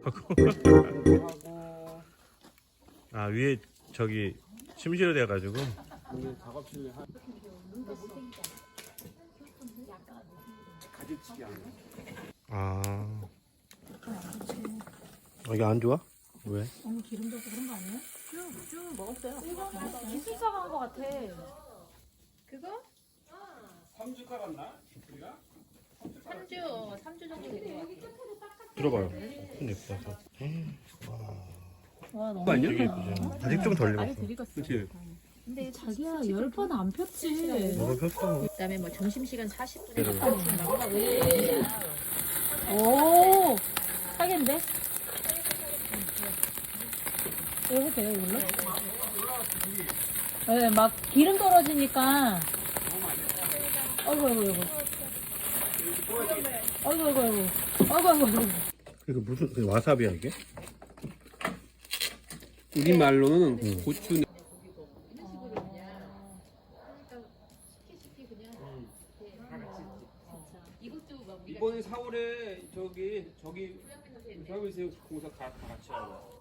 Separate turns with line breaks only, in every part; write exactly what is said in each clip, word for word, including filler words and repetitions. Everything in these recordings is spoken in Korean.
하고.
하고
아 위에 저기 침실로 돼가지고.
여기 작업실 한 가지치기 하는.
아. 아, 이게 안 좋아? 왜?
너무 기름져서 그런 거 아니에요?
쭉, 쭉 먹었어요.
이거는 기술사가 한 거 같아.
그거?
삼 주 깔았나? 우리가?
삼 주, 삼 주 정도 된 것 같아.
들어봐요. 손 예뻐서.
와 너무
아니야?
되게 예쁘죠. 아직 좀 덜
많이
익었어.
들이갔어.
그치?
근데
자기야 열 번 안 폈지.
뭐가 폈어?
그다음에 뭐 점심시간 사십 분에
네.
나오라고.
오 사겠는데? 이거 해도 돼요 이걸로? 네, 막 기름 떨어지니까. 아이고 아이고 아이고. 아이고 아이고 아이고. 아이고 아이고 아이고.
이거 무슨 그 와사비야 이게?
우리 말로는 고추. 이번에 사월에 저기 저기 서비스 공사 다, 다 같이 하고.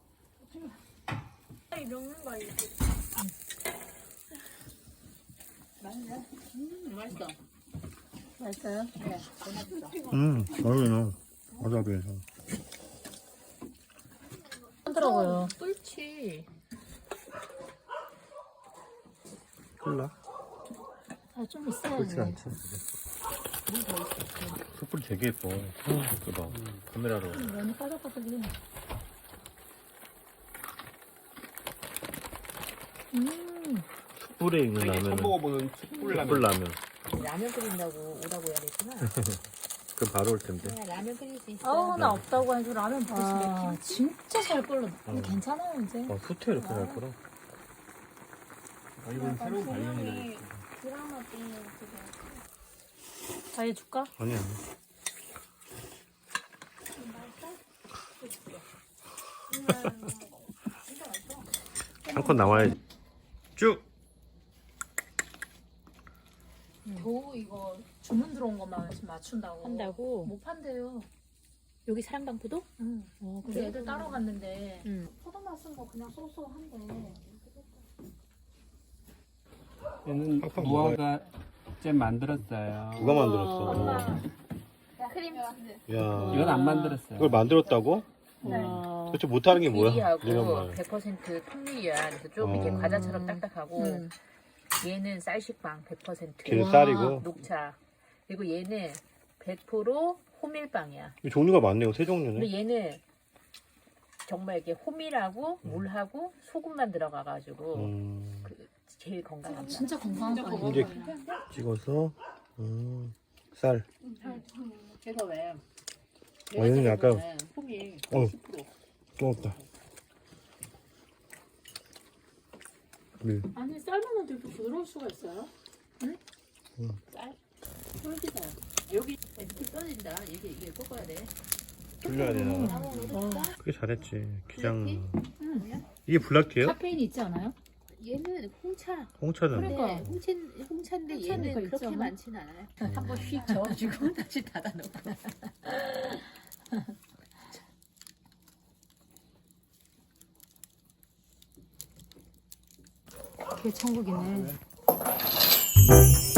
음, 맛있어.
맛있어요?
네, 맛있어.
음, 맛있네. 와사비에서.
하더라고요.
꿀치.
콜라?
아, 좀 있어야지.
그렇지 않지. 숯불이 되게 예뻐. 그봐 카메라로.
면이 빠삭빠삭해. 음,
숯불에 있는
처음
라면은
먹어보는 숯불 라면.
숯불 라면.
라면 끓인다고 오라고 해야 되구나.
그 바로 올 텐데.
그냥 라면 끓일 수 있어.
아우, 나 없다고 해서 라면 먹고 싶네. 진짜 잘 끓여. 근데
어.
괜찮아요, 이제.
아, 후퇴 이렇게 잘 거라.
아, 이건 새로운 발견이네.
드라마 때문에 그거.
자기 줄까?
아니야. 한 컷 나와야지. 쭉!
겨우 이거 주문 들어온 것만 지금 맞춘다고.
한다고?
못 판대요.
여기 사랑방포도?
응.
어,
그래서 애들 따러 갔는데.
응.
포도맛 쓴 거 그냥 쏘쏘한데.
얘는
팍팍
무화과 잼 만들었어요.
누가 만들었어?
크림 치즈.
야,
이건 안 만들었어요.
이걸 만들었다고?
와.
도대체 못하는 게 뭐야? 이런
미리하고
말.
백 퍼센트 통밀이야. 그래서 좀
어.
이렇게 과자처럼 딱딱하고
음.
얘는 쌀식빵 백 퍼센트
걔는
와.
쌀이고.
녹차. 그리고 얘는 백 퍼센트 호밀빵이야.
이 종류가 많네요. 세 종류네.
근데 얘는 정말 이게 호밀하고 물하고 소금만 들어가가지고
음,
그 제일 건강한
아, 진짜 건강한
진짜
빵이야.
이제 찍어서 음, 쌀.
그래서 왜?
어, 얘는 약간
호밀
어.
십 퍼센트
뜨겁다. 네.
아니, 쌀만 이렇게 부드러울 수가 있어요?
쌀 쫄깃해요. 여기 이렇게 써진다. 이게 이게 꺾어야 돼.
돌려야 되나?
어.
그게 잘했지. 기장.
응.
이게 블랙티예요?
카페인이 있지 않아요?
얘는 홍차.
홍차잖아.
그러니까.
네, 홍차 홍차인데
홍차니까
얘는
있지
그렇게
않아?
많진 않아요. 한번 휙 저어주고 다시 닫아놓고.
그게 천국이네.